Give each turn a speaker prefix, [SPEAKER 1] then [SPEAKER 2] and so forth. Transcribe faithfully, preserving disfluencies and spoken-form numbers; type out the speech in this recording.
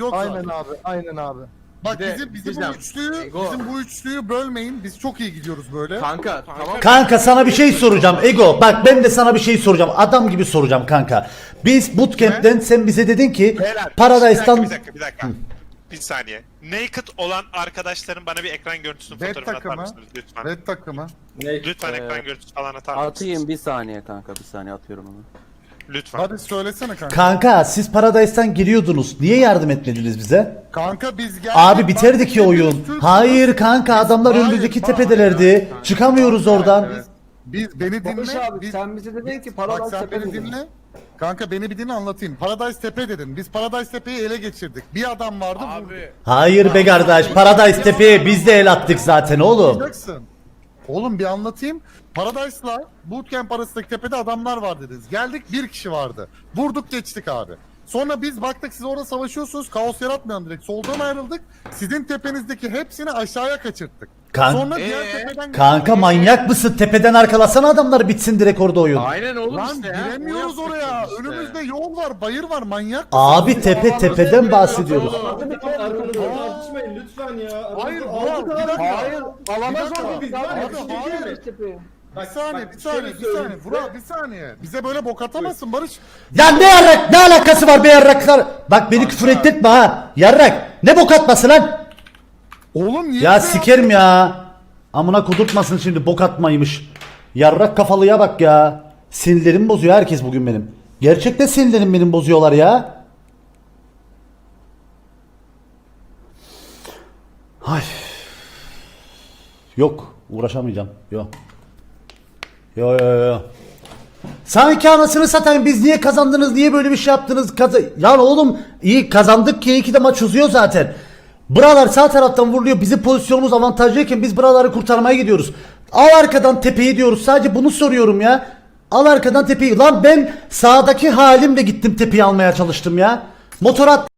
[SPEAKER 1] Yok
[SPEAKER 2] Aynen
[SPEAKER 1] zaten.
[SPEAKER 2] abi, aynen abi.
[SPEAKER 1] Bak
[SPEAKER 3] Bir de
[SPEAKER 1] bizim bizim bu
[SPEAKER 3] diyeceğim,
[SPEAKER 1] üçlüyü
[SPEAKER 3] Ego.
[SPEAKER 1] bizim bu üçlüyü bölmeyin. Biz çok iyi gidiyoruz böyle.
[SPEAKER 3] Kanka tamam.
[SPEAKER 4] Kanka sana bir şey soracağım Ego. Bak ben de sana bir şey soracağım. Adam gibi soracağım kanka. Biz bootcamp'ten sen bize dedin ki
[SPEAKER 5] Beyler,
[SPEAKER 4] Paradise'dan
[SPEAKER 5] Bir dakika bir dakika. Bir, dakika. bir saniye. Naked olan arkadaşların bana bir ekran görüntüsünün
[SPEAKER 1] Red
[SPEAKER 5] fotoğrafını atar
[SPEAKER 1] takımı.
[SPEAKER 5] mısınız lütfen?
[SPEAKER 1] Red takımı.
[SPEAKER 5] Lütfen
[SPEAKER 6] Ee,
[SPEAKER 5] ekran görüntüsü falan atar mısınız?
[SPEAKER 6] Atayım bir saniye kanka, bir saniye atıyorum onu.
[SPEAKER 5] Lütfen.
[SPEAKER 1] Hadi söylesene kanka.
[SPEAKER 4] Kanka siz Paradise'dan giriyordunuz. Niye yardım etmediniz bize?
[SPEAKER 1] Kanka biz geldik.
[SPEAKER 4] Abi biterdi
[SPEAKER 1] bak,
[SPEAKER 4] ki
[SPEAKER 1] hepimiz
[SPEAKER 4] oyun.
[SPEAKER 1] Türk'üz.
[SPEAKER 4] Hayır kanka adamlar
[SPEAKER 1] Hayır,
[SPEAKER 4] önümüzdeki
[SPEAKER 1] hayır,
[SPEAKER 4] tepedelerdi.
[SPEAKER 3] hayır.
[SPEAKER 4] Çıkamıyoruz oradan.
[SPEAKER 3] Evet.
[SPEAKER 1] Biz beni dinle.
[SPEAKER 2] Barış abi
[SPEAKER 1] biz,
[SPEAKER 2] sen bize dedin ki
[SPEAKER 1] bak
[SPEAKER 2] Paradise
[SPEAKER 1] sen
[SPEAKER 2] Tepe
[SPEAKER 1] beni
[SPEAKER 2] dedin.
[SPEAKER 1] dinle. Kanka beni bir dinle anlatayım. Paradise Tepe dedin. Biz Paradise Tepe'yi ele geçirdik. Bir adam vardı vurdu.
[SPEAKER 4] Hayır be kardeş. Paradise Tepe'ye biz de el attık zaten oğlum.
[SPEAKER 1] Anlayacaksın. Oğlum bir anlatayım. Paradise'la Bootcamp arasındaki tepede adamlar var dediniz. Geldik bir kişi vardı. Vurduk geçtik abi. Sonra biz baktık siz orada savaşıyorsunuz. Kaos yaratmayalım direkt. Soldan ayrıldık. Sizin tepenizdeki hepsini aşağıya kaçırttık.
[SPEAKER 4] Kan-
[SPEAKER 1] Sonra diğer
[SPEAKER 3] Ee?
[SPEAKER 1] tepeden...
[SPEAKER 4] Kanka manyak mısın? Tepeden arkalasana adamlar bitsin direkt orada oyun.
[SPEAKER 3] Aynen oğlum
[SPEAKER 1] Lan
[SPEAKER 3] işte ya.
[SPEAKER 1] giremiyoruz
[SPEAKER 3] O
[SPEAKER 1] oraya.
[SPEAKER 3] yaptık işte.
[SPEAKER 1] Önümüzde yol var, bayır var. Manyak.
[SPEAKER 4] Abi tepe tepeden bahsediyoruz.
[SPEAKER 7] Tartışmayın lütfen ya.
[SPEAKER 1] Hayır,
[SPEAKER 7] Aldık
[SPEAKER 1] Burak,
[SPEAKER 7] abi.
[SPEAKER 1] bir dakika.
[SPEAKER 2] Hayır, alamaz
[SPEAKER 1] Bir dakika,
[SPEAKER 2] abi.
[SPEAKER 1] biz
[SPEAKER 2] Biz
[SPEAKER 1] var ya,
[SPEAKER 2] abi
[SPEAKER 1] biz
[SPEAKER 2] biz
[SPEAKER 1] hayır.
[SPEAKER 2] gidiyoruz tepeye.
[SPEAKER 1] Bir saniye, bir saniye, bir saniye. Vural bir saniye. Bize böyle bok atamazsın Barış.
[SPEAKER 4] Ya ne yarrak ne alakası var be yarraklar? Bak beni küfür ettirtme ha. Yarrak ne bok atması lan?
[SPEAKER 1] Oğlum niye
[SPEAKER 4] Ya
[SPEAKER 1] bize
[SPEAKER 4] sikerim ya. Amına kudurtmasın şimdi bok atmaymış. Yarrak kafalıya bak ya. Sinirlerimi bozuyor herkes bugün benim. Gerçekten sinirlerimi benim bozuyorlar ya. Ay. Yok uğraşamayacağım. Yok. Yo yo yo. Sanki anasını satayım biz niye kazandınız niye böyle bir şey yaptınız Kaza ya oğlum iyi kazandık ki iki de maç uzuyor zaten. Buralar sağ taraftan vuruluyor bizim pozisyonumuz avantajlıyken biz buraları kurtarmaya gidiyoruz. Al arkadan tepeyi diyoruz sadece bunu soruyorum ya. Al arkadan tepeyi lan ben sağdaki halimle gittim tepeyi almaya çalıştım ya. Motor at